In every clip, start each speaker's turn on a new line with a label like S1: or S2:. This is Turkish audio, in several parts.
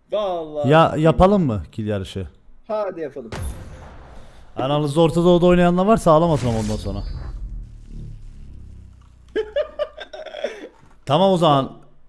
S1: Vallahi.
S2: Ya yapalım mı kill yarışı?
S1: Hadi yapalım.
S2: Aranızda Orta Doğu'da oynayanlar varsa ağlamasın ama ondan sonra. Tamam o zaman.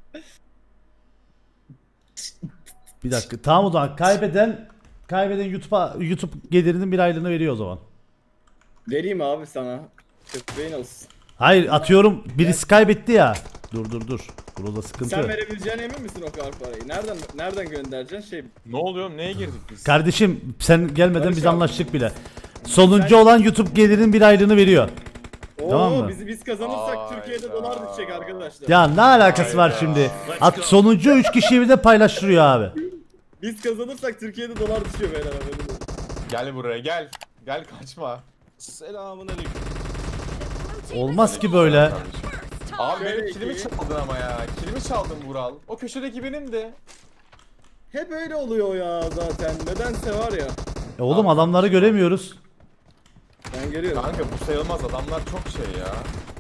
S2: Bir dakika. Tamam o zaman kaybeden YouTube gelirinin bir aylığını veriyor o zaman.
S1: Vereyim abi sana. Köpeğin olsun.
S2: Hayır atıyorum birisi kaybetti ya. Dur. Burada sıkıntı.
S1: Sen verebileceğine emin misin o kadar parayı? Nereden göndereceksin şey?
S3: Ne oluyor? Neye girdik biz?
S2: Kardeşim sen gelmeden
S1: Barış
S2: biz
S1: abi.
S2: anlaştık bile. Sonuncu olan YouTube gelirinin bir aylığını veriyor.
S1: Oo,
S2: Tamam mı?
S1: biz kazanırsak
S3: Hayda.
S1: Türkiye'de dolar düşecek arkadaşlar.
S2: Ya ne alakası var şimdi? Sonuncu 3 kişiyi bir de paylaştırıyor abi.
S1: Biz kazanırsak Türkiye'de dolar düşüyor beyler haberiniz olsun.
S3: Gel buraya gel. Gel kaçma.
S1: Selamünaleyküm.
S2: Olmaz ki böyle.
S3: Abi
S1: Şöyle
S3: benim kilimi
S1: ki-
S3: çaldın ama ya. Kilimi çaldın Vural. O köşedeki benim de.
S1: Hep öyle oluyor ya zaten. Nedense var ya.
S2: Oğlum adamları göremiyoruz.
S1: Ben görüyorum.
S3: Kanka bu sayılmaz, adamlar çok şey ya.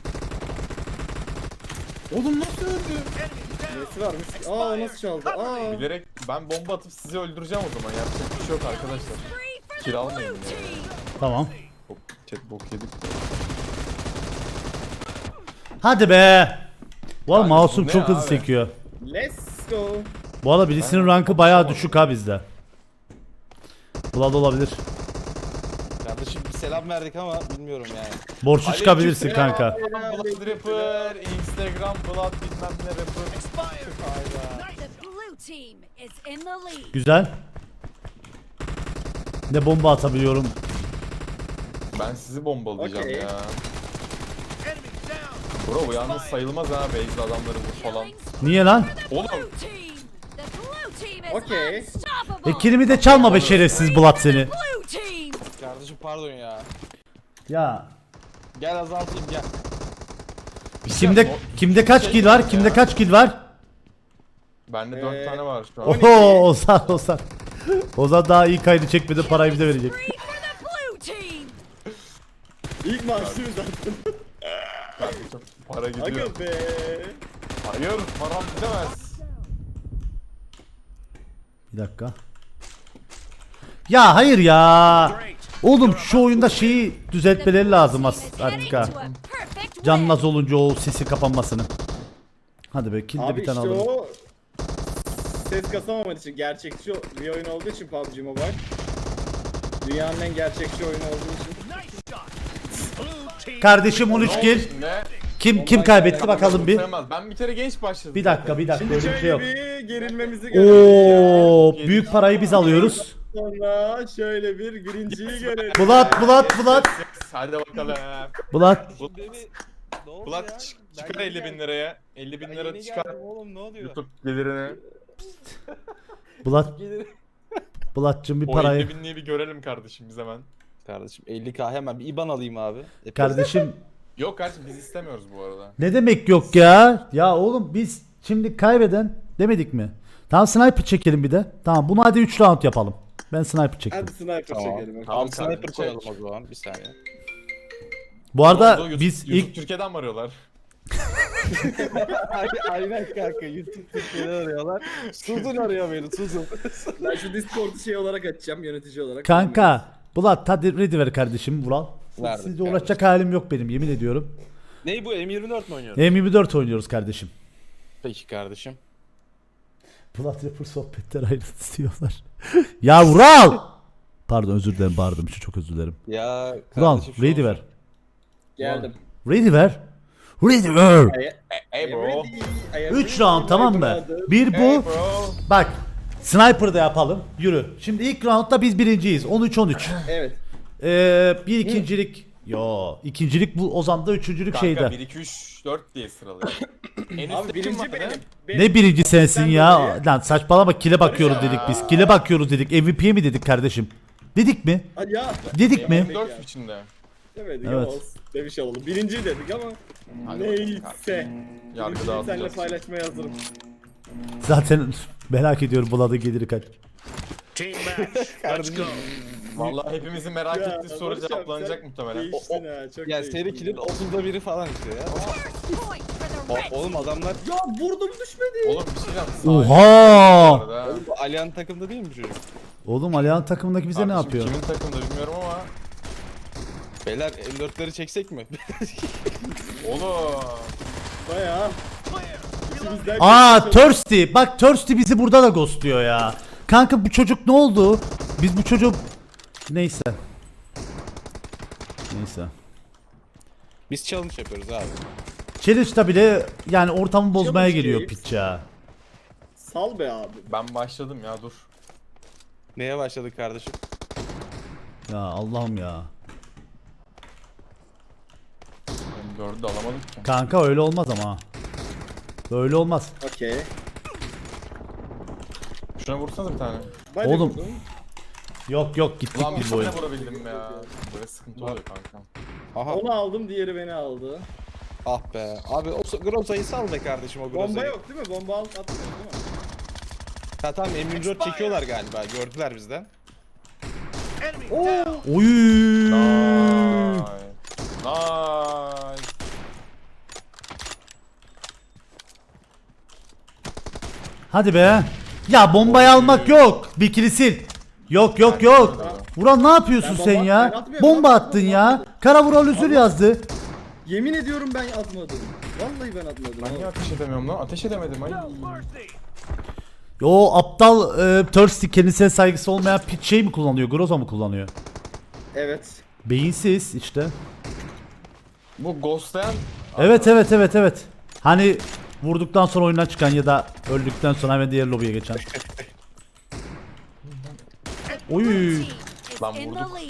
S3: Oğlum nasıl öldü?
S1: Nesi varmış? Aa nasıl çaldı? Aa.
S3: Bilerek ben bomba atıp sizi öldüreceğim o zaman. Yapacak bir şey yok arkadaşlar. Kill almayın ya.
S2: Tamam.
S3: Hop, chat bok yedik.
S2: Hadi be. Valla
S3: Kanka,
S2: mouse'um
S3: bu ne
S2: çok hızlı
S3: abi?
S2: sekiyor.
S1: Let's go.
S2: Bu arada birisinin rankı bayağı düşük ha bizde. Vlad olabilir.
S4: Kardeşim bir selam verdik ama bilmiyorum yani.
S2: Borçlu çıkabilirsin
S3: Aleykümselam.
S2: kanka.
S3: Blood Rapper, Instagram Blood bilmem ne Rapper. Hayda.
S5: The blue team is in the lead.
S2: Güzel. Ne bomba atabiliyorum.
S3: Ben sizi bombalayacağım
S1: Okey.
S3: ya. Bro bu yalnız sayılmaz ha, base'de adamları vur falan.
S2: Niye lan?
S3: Oğlum
S5: Blue team. The blue team is
S1: Okay.
S5: unstoppable.
S2: Kilimi de çalma be şerefsiz Vlad seni.
S5: Blue team.
S4: Kardeşim pardon ya.
S2: Ya.
S4: Gel azaltayım gel.
S2: Kimde kaç kill var? Kimde kaç kill var?
S3: bende 4 tane var şu an.
S2: Oho Ozan. Ozan daha iyi kaydı çekmedi parayı bize verecek.
S5: Three for the blue team.
S1: İlk maaşımız zaten.
S3: Çok para gidiyor.
S1: Aga be.
S3: Hayır, param gidemez.
S2: Bir dakika. Ya hayır ya. Oğlum şu oyunda şeyi düzeltmeleri lazım artık ha. Canmaz olunca o sesi kapanmasını. Hadi be kill de
S1: Abi
S2: bir tane
S1: işte
S2: alalım.
S1: o ses kasamaman için gerçekçi bir oyun olduğu için PUBG Mobile. Dünyanın en gerçekçi oyunu olduğu için.
S2: Kardeşim 13 kill.
S3: Ne?
S2: Kim kaybetti bakalım bir.
S3: Sayılmaz. Ben bir kere genç başladım.
S2: Bir dakika
S1: Şimdi
S2: öyle bir şey
S1: şöyle
S2: yok.
S1: bir gerilmemizi görelim.
S2: Oo büyük parayı biz alıyoruz.
S1: Sonra şöyle bir birinciyi görelim.
S2: Bulat.
S3: Hadi bakalım.
S2: Bulat.
S4: Ne oldu
S3: Bulat
S4: ya?
S3: çıkar 50 bin liraya. 50 bin lira
S4: Yeni
S3: çıkar.
S4: geldim oğlum ne oluyor?
S3: YouTube gelirini.
S2: Bulat'cığım bir
S3: O
S2: parayı.
S3: 50 binliği bir görelim kardeşim biz hemen.
S4: Kardeşim 50k hemen bir IBAN alayım abi.
S2: Kardeşim
S3: Yok kardeşim biz istemiyoruz bu arada.
S2: ne demek yok ya? Ya oğlum biz şimdi kaybeden demedik mi? Tamam sniper çekelim bir de. Tamam bunu hadi 3 round yapalım. Ben sniper çektim.
S1: Hadi sniper
S4: Tamam.
S1: çekelim.
S3: Tamam,
S4: Abi sniper
S3: kardeşim,
S4: koyalım
S3: çek.
S4: o zaman bir saniye.
S2: Bu arada
S3: YouTube,
S2: biz
S3: YouTube
S2: ilk
S3: Türkiye'den mi arıyorlar?
S4: Aynen kanka YouTube Türkiye'de arıyorlar. Suzun arıyor beni Suzun.
S1: Ben şu Discord'u şey olarak açacağım yönetici olarak.
S2: kanka Bulat hadi ready ver kardeşim Vural.
S4: Verdim
S2: Sizle
S4: kardeşim.
S2: uğraşacak halim yok benim yemin ediyorum.
S4: Ney bu M24 mi oynuyorsun?
S2: M24 oynuyoruz kardeşim.
S4: Peki kardeşim.
S2: Bulat Rapper sohbetler ayrıntı istiyorlar. Ya Vural! Pardon özür dilerim bağırdım için çok özür dilerim.
S4: Ya
S2: Vural
S4: kardeşim şu
S2: ready
S4: olsun.
S2: ver.
S1: Geldim.
S2: Ready ver. Ready ver.
S3: Hey bro.
S2: 3 round tamam mı? Bir bu.
S3: Hey bro.
S2: Bak. Sniper da yapalım. Yürü. Şimdi ilk roundda biz birinciyiz. 13-13.
S1: Evet.
S2: Bir ikincilik. Yo, ikincilik bu Ozan'da, üçüncülük
S3: Kanka
S2: şeyde.
S3: 1 2 3 4 diye sıralıyor. En
S1: Abi
S3: üstte kim
S1: birinci
S3: var
S1: benim.
S3: ne?
S1: Benim.
S2: Ne birinci sensin
S1: Sen
S2: ya?
S1: dolayı.
S2: Lan saçmalama kile bakıyoruz dedik biz. Kile bakıyoruz dedik. MVP'ye mi dedik kardeşim? Dedik mi?
S1: Hadi ya.
S2: Dedik mi?
S3: 4 içinde.
S1: Demedik
S2: Evet.
S1: ama demiş olalım. Birinci dedik ama
S3: Hadi bakalım
S1: neyse.
S3: Yargı
S1: Birinciyi seninle
S3: dağıtacağız.
S1: paylaşmaya hazırım.
S2: Zaten merak ediyorum Bulat'ın geliri kaç.
S4: Kardeşim.
S3: Vallahi hepimizin merak
S1: Ya,
S3: ettiği soru
S1: Barış abi,
S3: cevaplanacak
S1: sen
S3: muhtemelen.
S1: Değiştin ha çok
S4: Ya
S1: değiştin.
S4: seri kill'in 30'da biri falan işte ya.
S5: Point for the
S4: Oğlum adamlar
S1: Ya vurdum düşmedi.
S3: Oğlum bir şey diyeceğim.
S2: Oha!
S4: oğlum bu Alihan takımda değil mi bu çocuk?
S2: Oğlum Alihan takımındaki bize ne yapıyor?
S3: Kimin takımda bilmiyorum ama.
S4: Beyler M4'leri çeksek mi?
S3: Oğlum.
S1: Bayağı. İçimizden
S2: Aa
S1: geçmiş oldu.
S2: Thirsty. Bak Thirsty bizi burada da ghostluyor ya. Kanka bu çocuk ne oldu? Biz bu çocuk... Neyse. Neyse.
S4: Biz challenge yapıyoruz abi.
S2: Challenge'da bile yani ortamı bozmaya
S1: Challenge
S2: geliyor
S1: değil.
S2: piç ya.
S1: Sal be abi.
S3: Ben başladım ya dur.
S4: Neye başladık kardeşim?
S2: Ya Allah'ım ya.
S3: Ben dördü de alamadık ki.
S2: Kanka öyle olmaz ama. Böyle olmaz.
S1: Okey.
S3: Şuna vursanız bir tane.
S1: Ben de
S2: Oğlum.
S1: vurdum.
S2: Yok yok gittik
S3: Ulan bir
S2: biz bu oyun.
S3: tane vurabildim ya. Böyle sıkıntı oluyor kanka.
S4: Aha.
S1: Onu aldım, diğeri beni aldı.
S4: Ah be. Abi o Groza'yı sal be kardeşim o Groza'yı.
S1: Bomba yok değil mi? Bomba atmıyor değil mi?
S4: Ha tamam M24 çekiyorlar galiba. Gördüler bizden.
S2: Oy.
S3: Nice. Nice.
S2: Hadi be. Ya bombayı almak yok. Bir kilisil. Yok yok yok. Vural ne yapıyorsun
S1: Ben
S2: sen
S1: bomba-
S2: ya?
S1: ben atmıyorum,
S2: Bomba
S1: ben
S2: attın ya.
S1: atmadım.
S2: Kara Vural özür yazdı.
S1: Yemin ediyorum ben atmadım. Vallahi ben atmadım.
S3: Ben niye ateş edemiyorum lan? Ateş edemedim ay.
S2: O aptal Thirsty kendisine saygısı olmayan piç şey mi kullanıyor? Groza mı kullanıyor?
S1: Evet.
S2: Beyinsiz işte.
S3: Bu ghostlayan
S2: Evet evet evet evet. Hani vurduktan sonra oyundan çıkan ya da öldükten sonra hemen diğer lobiye geçen. Oy.
S5: Team is
S3: Lan
S5: in the
S3: vurduk.
S5: lead.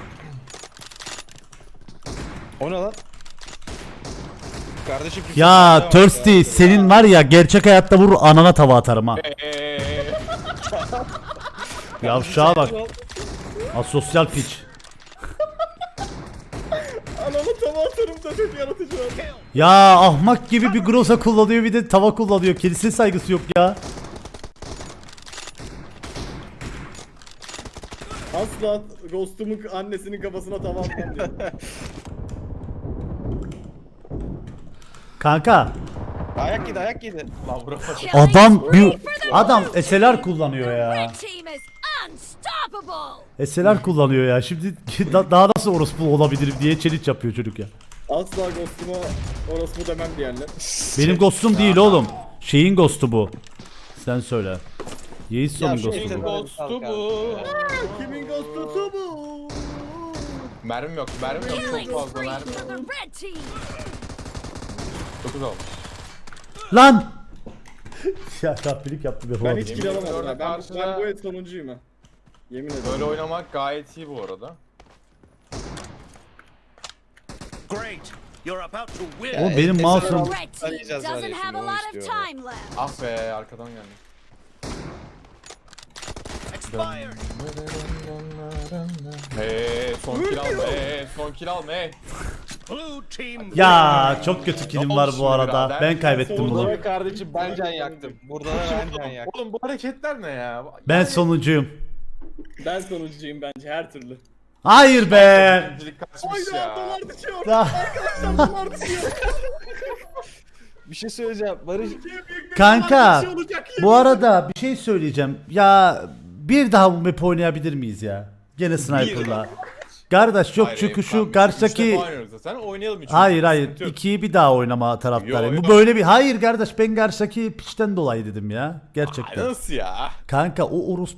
S4: O ne lan? Kardeşim
S2: Ya Thirsty senin var ya gerçek hayatta vurur anana tava atarım ha. Yavşağa bak. Asosyal piç.
S1: Anamı tava atarım da çok yaratıcı var.
S2: Ya ahmak gibi bir groza kullanıyor bir de tava kullanıyor. Kendisine saygısı yok ya.
S1: Asla Ghost'umun annesinin kafasına tava atmam diyor.
S2: Kanka
S4: Ayak yedi ayak yedi.
S3: Lan vuramadım.
S2: adam bir adam SLR kullanıyor ya.
S5: Red team is unstoppable.
S2: SLR kullanıyor ya. Şimdi daha nasıl orospu olabilirim diye challenge yapıyor çocuk ya.
S1: Asla Ghost'uma orospu demem diyenler.
S2: Benim ghostum değil oğlum. Şeyin ghostu bu. Sen söyle. Yeison'un
S4: Ya şu
S2: ghostu
S4: elinde
S2: bu.
S4: ghostu bu.
S1: Kimin Ghost'u bu?
S3: Mermim yok, mermim yok.
S5: Killing
S3: Çok fazla
S5: spree
S3: mermim
S5: for the
S3: yok.
S5: red team.
S3: 9 olmuş.
S2: Lan! Ya kahpelik yaptı be
S1: Ben
S2: oğlum.
S1: hiç kill alamadım.
S3: Orada
S1: ha. Ben
S3: karşıda-
S1: bu el sonuncuyum ha. Yemin ederim.
S3: Böyle oynamak gayet iyi bu arada.
S6: Great. You're about to win.
S2: Oğlum benim mouse'um
S5: The red team
S4: Arayacağız var ya
S5: doesn't
S4: şimdi,
S5: have a
S4: onu
S5: lot of
S4: istiyorum.
S5: time left.
S3: Ah be arkadan geldi.
S6: Expired.
S3: Son kill alma, son kill alma.
S6: Blue team.
S2: Ya çok kötü killim
S3: Ne
S2: var
S3: oldu
S2: bu
S3: şimdi
S2: arada.
S3: birader?
S2: Ben kaybettim
S1: Sonunda
S2: bunu.
S4: Burada kardeşim ben can yaktım. Burada da ben can yaktım.
S3: Oğlum bu hareketler ne ya?
S2: Ben sonuncuyum.
S1: Ben sonuncuyum bence her türlü.
S2: Hayır be.
S3: İkincilik kaçmış
S1: Hayda
S3: ya.
S1: dolar düşüyor.
S2: Ya,
S1: Arkadaşlar dolar düşüyor.
S4: Bir şey söyleyeceğim. Barış
S2: kanka
S1: Bir şey olacak
S2: bu arada bir şey söyleyeceğim. Ya bir daha bu map oynayabilir miyiz ya? Gene sniper'la. Kardeş yok
S3: Hayır,
S2: çünkü
S3: tamam,
S2: şu
S3: üç
S2: karşıdaki...
S3: defa oynuyoruz zaten. Oynayalım üçüncü.
S2: Hayır hayır
S3: Sıkıntı yok.
S2: ikiyi bir daha oynama taraftarıyım.
S3: Yo,
S2: Bu
S3: yo.
S2: böyle bir... Hayır kardeş ben karşıdaki piçten dolayı dedim ya. Gerçekten.
S3: Nasıl ya?
S2: Kanka o orospu...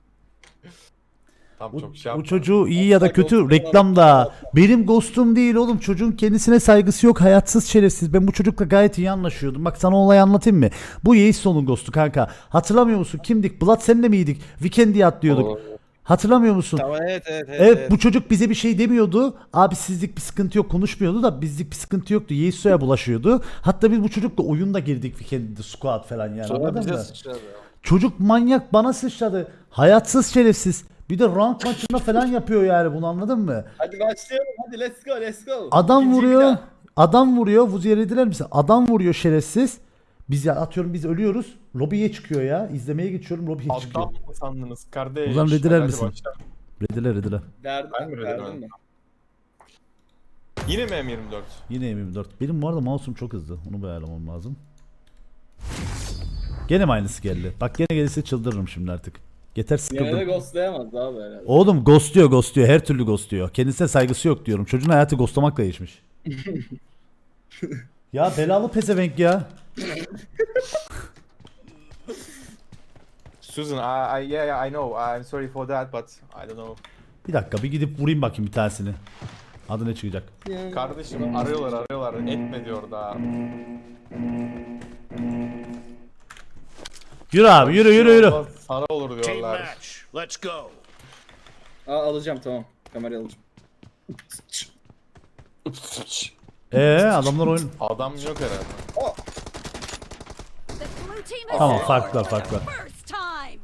S3: Tam
S2: Bu,
S3: çok şey
S2: bu
S3: yapma.
S2: çocuğu iyi ya da
S4: Asla
S2: kötü
S4: ghost'um
S2: reklamda. Benim ghostum değil oğlum. Çocuğun kendisine saygısı yok. Hayatsız şerefsiz. Ben bu çocukla gayet iyi anlaşıyordum. Bak sana olayı anlatayım mı? Bu Yeison'un ghostu kanka. Hatırlamıyor musun? Kimdik? Blood seninle miydik? Weekend'i atlıyorduk. Hatırlamıyor musun?
S4: Tamam evet.
S2: Evet bu çocuk bize bir şey demiyordu. Abi sizlik bir sıkıntı yok konuşmuyordu da bizlik bir sıkıntı yoktu. Yeiso'ya bulaşıyordu. Hatta biz bu çocukla oyunda girdik Weekend'de squad falan yani.
S4: Sonra
S2: Anladın
S4: bize
S2: mı?
S4: sıçradı.
S2: Çocuk manyak bana sıçradı. Hayatsız şerefsiz. Bir de rank maçında falan yapıyor yani bunu anladın mı?
S1: Hadi başlayalım hadi let's go let's go.
S2: Adam
S1: İkinciyi bir
S2: vuruyor.
S1: daha.
S2: Adam vuruyor. Vuzi'ye rediler misin? Adam vuruyor şerefsiz. Biz ya atıyorum biz ölüyoruz. Lobiye çıkıyor ya. İzlemeye geçiyorum lobiye çıkıyor.
S3: Adam mı sandınız kardeş?
S2: Ozan rediler
S3: Hadi
S2: misin?
S3: başla.
S2: Rediler rediler.
S1: Verdim,
S3: Ben mi
S1: verdim
S3: verdim?
S1: mi?
S3: Yine mi M24?
S2: Yine M24. Benim bu arada mouse'um çok hızlı. Onu bir ayarlamam lazım. Gene mi aynısı geldi? Bak gene gelirse çıldırırım şimdi artık. Yeter
S1: Yine de
S2: sıkıldım.
S1: ghostlayamaz abi herhalde.
S2: Oğlum ghostluyor. Her türlü ghostluyor. Kendisine saygısı yok diyorum. Çocuğun hayatı ghostlamakla geçmiş. Ya belalı pezevenk ya.
S3: Susan, yeah, I know. I'm sorry for that, but I don't know.
S2: Bir dakika bir gidip vurayım bakayım bir tanesini. Adı ne çıkacak?
S3: Kardeşim arıyorlar. Etme diyor daha.
S2: Yürü abi yürü.
S3: Sana olur
S6: Team
S3: diyorlar.
S6: match. Let's go.
S1: Alacağım tamam. Kamerayı alacağım.
S2: Adamlar oyun.
S3: Adam yok herhalde.
S5: The blue team is
S2: Tamam
S5: scored
S2: farklar.
S5: first time.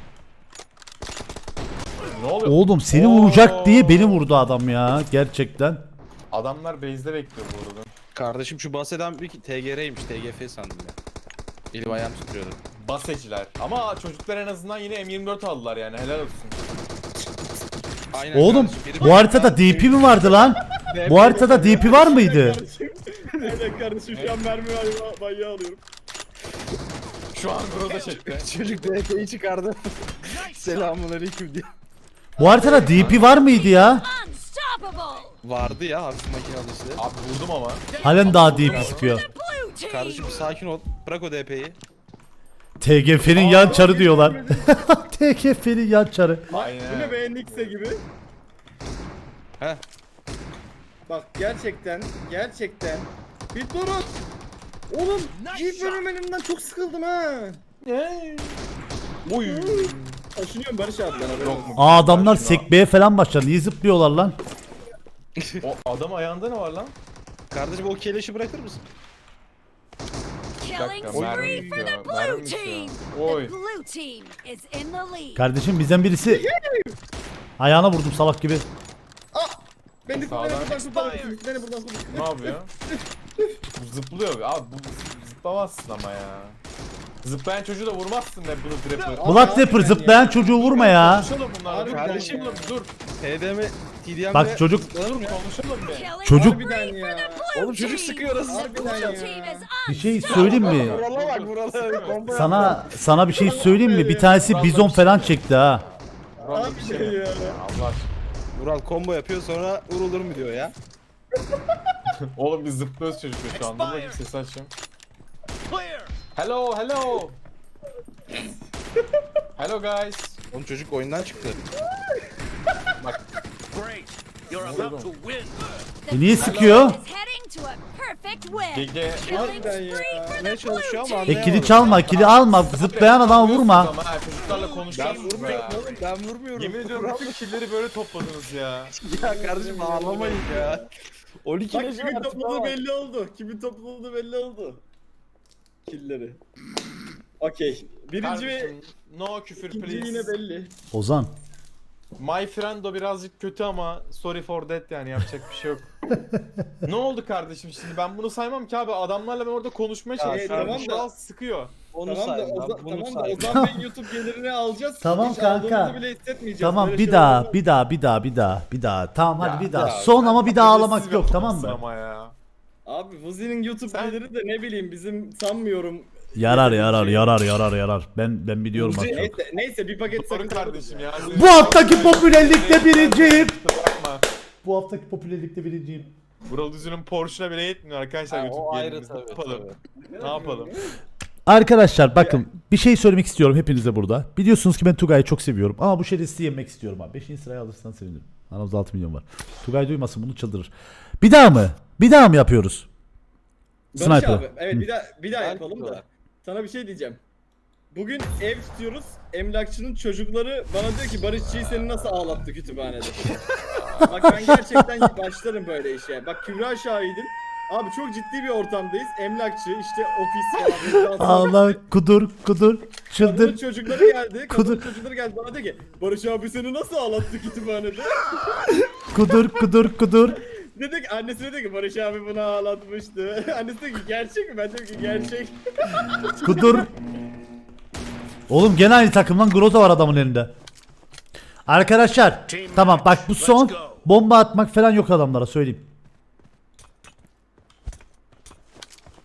S3: Ne oluyor?
S2: Oğlum seni vuracak diye beni vurdu adam ya. Gerçekten.
S3: Adamlar base'de bekliyor bu arada.
S4: Kardeşim şu bahseden bir TGR'ymiş. TGF sandım ya. Elim ayağım tutuyordu.
S3: Baseciler. Ama çocuklar en azından yine M24 aldılar yani helal olsun.
S4: Aynen
S2: Oğlum
S4: kardeşim, biri-
S2: bu haritada DP mi vardı lan? Bu haritada DP var mıydı?
S1: Evet kardeşim şu an mermi manyağı alıyorum.
S3: Şu an burada çekti.
S4: Çocuk DP'yi çıkardı. Selamünaleyküm diye.
S2: Bu haritada DP var mıydı ya?
S5: Unstoppable.
S4: Vardı ya hafif makinalı işte.
S3: Abi vurdum ama.
S2: Halen daha DP sıkıyor.
S5: Blue team.
S4: Kardeşim bir sakin ol. Bırak o DP'yi.
S2: TGF'nin yan çarı diyorlar. TGF'nin yan çarı.
S1: Bu ne
S3: Aynen.
S1: be Nix'e gibi.
S4: Heh.
S1: Bak gerçekten bir durun. Oğlum Jeep fenomenimden çok sıkıldım ha.
S3: Oy.
S1: Taşınıyorum Barış abi ben
S3: Yok mu?
S2: Aa adamlar sekmeye falan başladı. Niye zıplıyorlar lan?
S3: O adam ayağında ne var lan?
S4: Kardeşim o keleşi bırakır mısın?
S5: Killing
S3: dakika,
S5: spree
S3: mermi
S5: for the
S3: bitiyor,
S5: blue
S3: mermi
S5: team.
S3: bitiyor. Oy.
S5: The blue team is in the lead.
S2: Kardeşim bizden birisi ayağına vurdum salak gibi.
S1: Beni
S3: Sağdan
S1: Beni buradan
S3: Ne yapıyor? Bu zıplıyor. Abi bu zıplamazsın ama ya. Zıplayan çocuğu da vurmazsın be bunu trapper.
S2: Black Dapper zıplayan çocuğu vurma ya.
S3: Konuşalım bunlarla. Dur
S1: Kardeşim.
S3: konuşalım dur.
S4: TDM'de
S2: Bak çocuk
S3: Konuşalım be.
S5: Killing
S2: Çocuk-
S5: spree
S1: Harbiden ya.
S5: for the blue
S4: Oğlum çocuk
S5: team.
S4: sıkıyor arası.
S5: The blue
S1: Harbiden
S5: team
S1: ya.
S5: is
S2: bir şey söyleyeyim mi?
S4: Vurala bak vurala. Bomba
S2: Sana bir şey söyleyeyim mi? Bir tanesi bizon falan çekti ha.
S3: Burak bir şey mi?
S1: ya.
S3: Allah aşkına.
S4: Vural combo yapıyor sonra vurulur mu diyor ya.
S3: Oğlum biz zıplıyoruz çocukla şu an. Dur bakayım sesi açayım.
S6: Clear.
S3: Hello. Hello guys.
S4: Oğlum çocuk oyundan çıktı.
S6: Great. You're about to win.
S2: Niye sıkıyor?
S5: Is heading to a perfect win.
S3: Gege.
S5: Killing
S1: Harbiden ya.
S5: spree for
S4: Ne
S5: the
S4: çalışıyor
S5: blue
S4: ama
S5: team.
S2: Kili çalma, kili alma. Zıplayan adama vurma.
S3: Ama ha, çocuklarla konuşacağız ya.
S4: Ben vurmuyorum.
S3: Yemin ediyorum bütün killeri böyle topladınız ya.
S4: Ya kardeşim ağlamayın ya. 12
S1: Bak
S4: leşi
S1: kimin
S4: var.
S1: topladığı belli oldu. Kimin topladığı belli oldu. Killleri. Okey. Birinci ve
S3: Kardeşim, no küfür
S1: ikinci
S3: please.
S1: yine belli.
S2: Ozan.
S3: My friend o birazcık kötü ama sorry for that yani yapacak bir şey yok. Ne oldu kardeşim şimdi ben bunu saymam ki abi adamlarla ben orada konuşmaya çalışıyorum.
S1: tamam
S3: Şu
S1: da-
S3: an sıkıyor.
S4: Onu
S1: Tamam da
S4: say lan, bunu
S1: tamam da
S4: say.
S1: Ozan Bey'in YouTube gelirini alacağız.
S2: Tamam
S1: Hiç
S2: kanka.
S1: aldığımızı bile hissetmeyeceğiz.
S2: Tamam
S1: Böyle
S2: bir
S1: şeyler
S2: daha,
S1: olmaz.
S2: bir daha. Tamam hadi
S3: Ya,
S2: bir daha.
S4: ya,
S2: Son ama bir daha ağlamak
S3: Agresif
S2: yok tamam
S3: yapmışsın
S2: mı?
S3: Ama ya.
S1: Abi Vuzi'nin YouTube
S3: Sen-
S1: geliri de ne bileyim bizim sanmıyorum.
S2: Yarar. Ben biliyorum az çok.
S1: Neyse bir paket
S3: Sorun
S1: sakın
S3: kardeşim ya.
S2: Bu haftaki popülerlikte birinciyim.
S3: Bakma.
S2: Bu haftaki popülerlikte birinciyim.
S3: Vural Üzü'nün Porsche'una bile yetmiyor arkadaşlar
S4: Ha,
S3: YouTube
S4: o ayrı
S3: gelirimiz. Ne
S4: tabii.
S3: yapalım? Ne yapalım?
S2: Arkadaşlar bakın bir şey söylemek istiyorum hepinize burada. Biliyorsunuz ki ben Tugay'ı çok seviyorum ama bu şerefsizi yemek istiyorum abi. 5. sıraya alırsan sevinirim. Aramızda 6 milyon var. Tugay duymasın bunu çıldırır. Bir daha mı? Bir daha mı yapıyoruz?
S1: Barış
S2: Sniper.
S1: abi evet bir daha yapalım da.
S4: yapıyorlar.
S1: Sana bir şey diyeceğim. Bugün ev tutuyoruz. Emlakçının çocukları bana diyor ki Barışçı'yı seni nasıl ağlattı kütüphanede. Bak ben gerçekten başlarım böyle işe. Bak Kübra şahidim. Abi çok ciddi bir ortamdayız. Emlakçı işte ofis falan.
S2: Allah kudur
S1: Kadının
S2: çıldır.
S1: çocukları geldi. Kadının
S2: Kudur.
S1: çocukları geldi bana diyor ki Barış abi seni nasıl ağlattı kütüphanede?
S2: Kudur.
S1: Dedi ki annesine dedi ki Barış abi bunu ağlatmıştı. Annesi dedi ki gerçek mi? Ben dedim ki gerçek.
S2: Kudur. Oğlum gene aynı takımdan Groza var adamın elinde. Arkadaşlar tamam bak bu son bomba atmak falan yok adamlara söyleyeyim.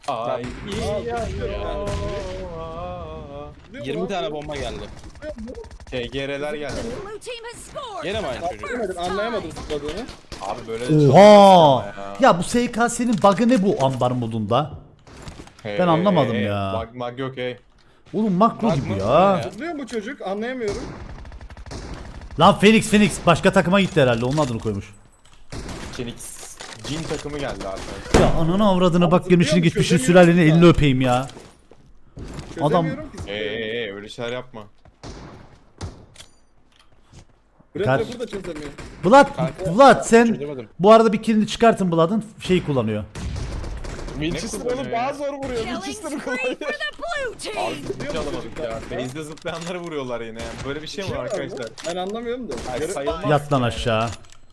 S3: Ay iyi ya.
S1: Değil mi
S4: 20
S1: lan?
S4: tane bomba geldi.
S3: TGR'ler geldi.
S5: The blue team has scored.
S4: Gene mi
S5: for
S4: aynı
S5: the
S4: çocuk?
S5: first
S1: Anlayamadım
S5: time.
S1: zıpladığını.
S3: Abi böyle de çok
S2: Oha!
S3: basit ama
S2: Ya bu SKS'nin bug'ı ne bu ambar modunda?
S3: Hey,
S2: Ben anlamadım
S3: hey,
S2: ya.
S3: Mag yok hey.
S2: Oğlum makro
S4: Bug
S2: gibi
S4: mı?
S2: ya.
S1: Zıplıyor mu çocuk? Anlayamıyorum.
S2: Lan Phoenix başka takıma gitti herhalde onun adını koymuş.
S3: Phoenix Jin takımı geldi arkadaşlar.
S2: Ya ananı avradına bak
S1: zıplıyor
S2: gelmişini
S1: mu?
S2: gitmişini
S1: Çözemiyorum
S2: sülalenin
S1: ya.
S2: elini öpeyim ya.
S1: Çözemiyorum ki.
S3: Hey öyle şeyler yapma.
S1: Brad
S2: Kaç-
S1: burada çözemiyor.
S2: Vlad sen
S4: Çözemedim.
S2: bu arada bir kilini çıkartın Vlad'ın şeyi kullanıyor.
S4: Winchester
S3: kullanıyor
S4: oğlum
S3: ya?
S4: daha zor vuruyor.
S5: Killing
S4: Winchester'ı
S5: spree for
S4: kullanıyor.
S5: the blue team.
S3: Hiç alamadık ya. Base'de zıplayanları vuruyorlar yine yani. Böyle bir şey mi var arkadaşlar?
S1: Ben anlamıyorum da.
S3: Ay, sayılmaz
S2: Yat lan
S3: yani.
S2: aşağı.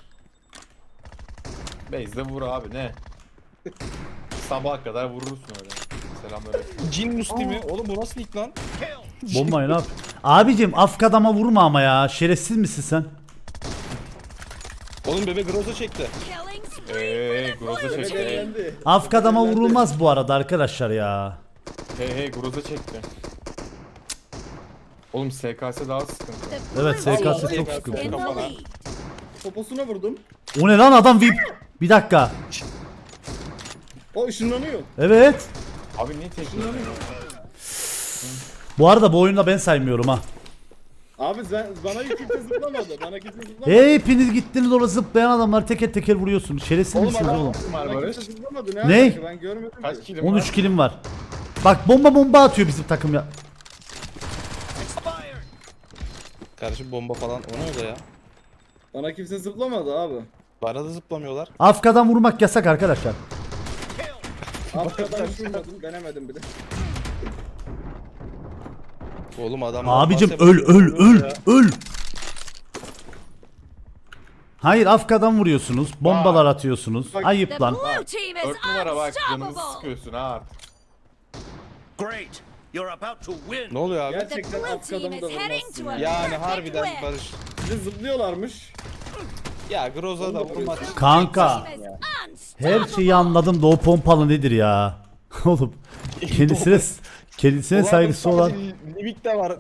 S3: Base'de vur abi ne? Sabaha kadar vurursun öyle. Selamlar.
S4: Cin muslimi. Oğlum bu nasıl ilk lan?
S2: Bombayı ne yap? Abicim Afkadam'a vurma ama ya. Şerefsiz misin sen?
S4: Oğlum bebe Groza çekti.
S5: Killing spree for the
S3: Groza
S5: blue
S3: çekti.
S5: team.
S1: Belirlendi.
S2: Afkadam'a vurulmaz bu arada arkadaşlar ya.
S3: Hey Groza çekti. Oğlum SKS daha sıkıntı.
S5: The
S2: Evet,
S5: blue
S2: SKS
S5: team
S2: çok
S5: is
S2: sıkıntı.
S5: in the
S4: Kafana.
S5: lead.
S1: Poposuna vurdum.
S2: O ne lan adam VIP. Bir dakika.
S1: O ışınlanıyor.
S2: Evet.
S3: Abi niye tekrar?
S2: Bu arada bu oyunda ben saymıyorum ha.
S1: Abi bana kimse zıplamadı. Bana kimse zıplamadı.
S2: Hepiniz gittiniz orada zıplayan adamlar teker teker vuruyorsunuz. Şerefsiz misiniz oğlum?
S3: Var
S1: Bana
S3: Barış.
S1: kimse zıplamadı.
S2: Ne?
S1: alaka? Ben görmedim
S3: Kaç
S1: ki.
S3: kilim var?
S2: 13 kilim var. Bak bomba atıyor bizim takım ya.
S6: Expired.
S4: Kardeşim bomba falan. O ne oldu ya?
S1: Bana kimse zıplamadı abi.
S4: Bana da zıplamıyorlar.
S2: Afkadan vurmak yasak arkadaşlar.
S1: Arkadan hiç vurmadım. Denemedim bile.
S4: Oğlum adam.
S2: Abicim
S4: nasıl
S2: öl
S4: yapıyor ya?
S2: öl. Hayır Afkadan vuruyorsunuz. Bombalar atıyorsunuz.
S1: Bak-
S5: The
S2: Ayıp lan.
S5: blue team is
S3: 4 numara bak canımızı
S5: unstoppable.
S3: sıkıyorsun ha.
S6: Great. You're about to win.
S4: Ne oluyor abi?
S5: The
S1: Gerçekten
S5: blue
S1: alt
S5: team
S1: kadamı
S5: is
S1: da
S5: heading
S1: vurmazsın
S5: to a
S1: ya.
S4: Yani
S5: perfect
S4: harbiden
S5: win.
S4: Barış.
S1: Bir de zıplıyorlarmış.
S4: Ya Groza da vurmaz.
S2: Kanka
S5: Team is
S2: her şeyi
S5: unstoppable.
S2: anladım da o pompalı nedir ya? Oğlum kendisine saygısı olan
S4: Limit de var.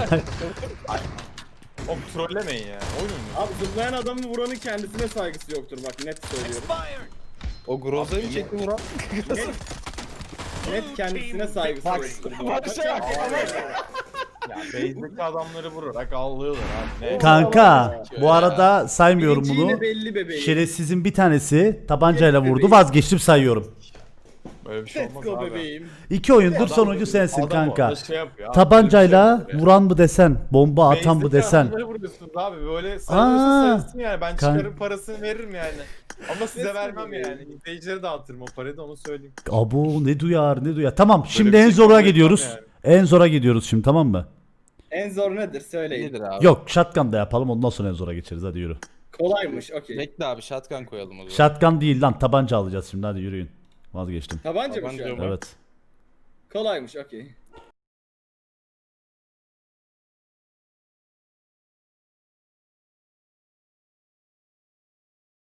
S3: O trollemeyin ya. Oyun mu?
S1: Abi zıplayan adamı vuranın kendisine saygısı yoktur bak net söylüyorum.
S6: Expired.
S4: O Groza'yı mı çekti Murat?
S1: Net kendisine saygısı yoktur. bu arada.
S3: Ya base'deki adamları vurarak ağlıyorlar abi. Ne?
S2: kanka bu arada saymıyorum
S1: Birinci
S2: bunu.
S1: yine belli bebeğim.
S2: Şerefsizin bir tanesi tabancayla
S1: Yes,
S2: vurdu.
S1: bebeğim.
S2: Vazgeçtim sayıyorum.
S3: Böyle bir şey
S1: Let's
S3: olmaz
S1: go
S3: abi.
S1: bebeğim.
S2: 2 oyundur
S3: Adam-
S2: sonuncu sensin
S3: adam
S2: kanka.
S3: orada şey yapıyor abi,
S2: Tabancayla
S3: böyle bir şey yapıyor.
S2: vuran mı desen, bomba atan mı
S3: Base'deki
S2: desen.
S3: adamları vuruyorsunuz abi böyle sayılırsa
S2: Aa,
S3: sayılsın yani ben
S2: kan-
S3: çıkarım parasını veririm yani. Ama size
S1: Let's go
S3: vermem
S1: bebeğim.
S3: yani. İzleyicilere dağıtırım o parayı da onu söyleyeyim.
S2: Abo ne duyar. Tamam şimdi
S3: bir
S2: en
S3: şey
S2: zora
S3: kabul
S2: gidiyoruz.
S3: etmem
S2: En zora gidiyoruz şimdi tamam mı?
S1: En zor nedir söyleyin.
S4: Nedir abi?
S2: Yok shotgun da yapalım ondan sonra en zora geçeriz hadi yürü.
S1: Kolaymış okey.
S4: Bekle abi shotgun koyalım o zaman.
S2: Shotgun değil lan tabanca alacağız şimdi hadi yürüyün. Vazgeçtim.
S1: Tabanca mı şu
S4: Tabanca
S1: an?
S4: mı?
S2: Evet.
S1: Kolaymış okey.